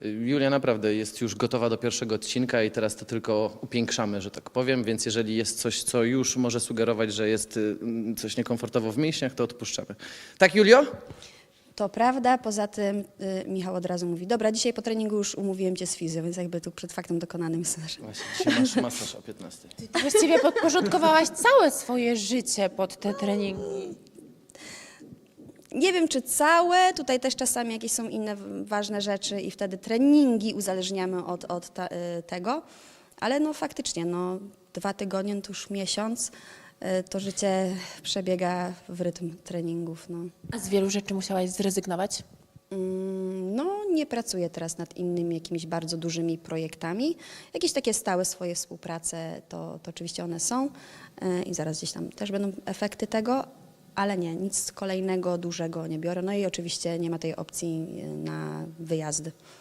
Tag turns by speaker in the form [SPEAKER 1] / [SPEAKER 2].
[SPEAKER 1] Julia naprawdę jest już gotowa do pierwszego odcinka i teraz to tylko upiększamy, że tak powiem, więc jeżeli jest coś, co już może sugerować, że jest coś niekomfortowo w mięśniach, to odpuszczamy. Tak, Julio?
[SPEAKER 2] To prawda, poza tym Michał od razu mówi, dobra, dzisiaj po treningu już umówiłem cię z fizją, więc jakby tu przed faktem dokonanym jest nasz.
[SPEAKER 1] Właśnie, dzisiaj masz masaż o 15.
[SPEAKER 3] Ty właściwie podporządkowałaś całe swoje życie pod te treningi.
[SPEAKER 2] Nie wiem, czy całe, tutaj też czasami jakieś są inne ważne rzeczy i wtedy treningi uzależniamy od tego, ale no faktycznie, no 2 tygodnie, no to już miesiąc, to życie przebiega w rytm treningów, no.
[SPEAKER 3] A z wielu rzeczy musiałaś zrezygnować?
[SPEAKER 2] No, nie pracuję teraz nad innymi jakimiś bardzo dużymi projektami. Jakieś takie stałe swoje współprace, to oczywiście one są i zaraz gdzieś tam też będą efekty tego, ale nie, nic kolejnego dużego nie biorę. No i oczywiście nie ma tej opcji na wyjazdy.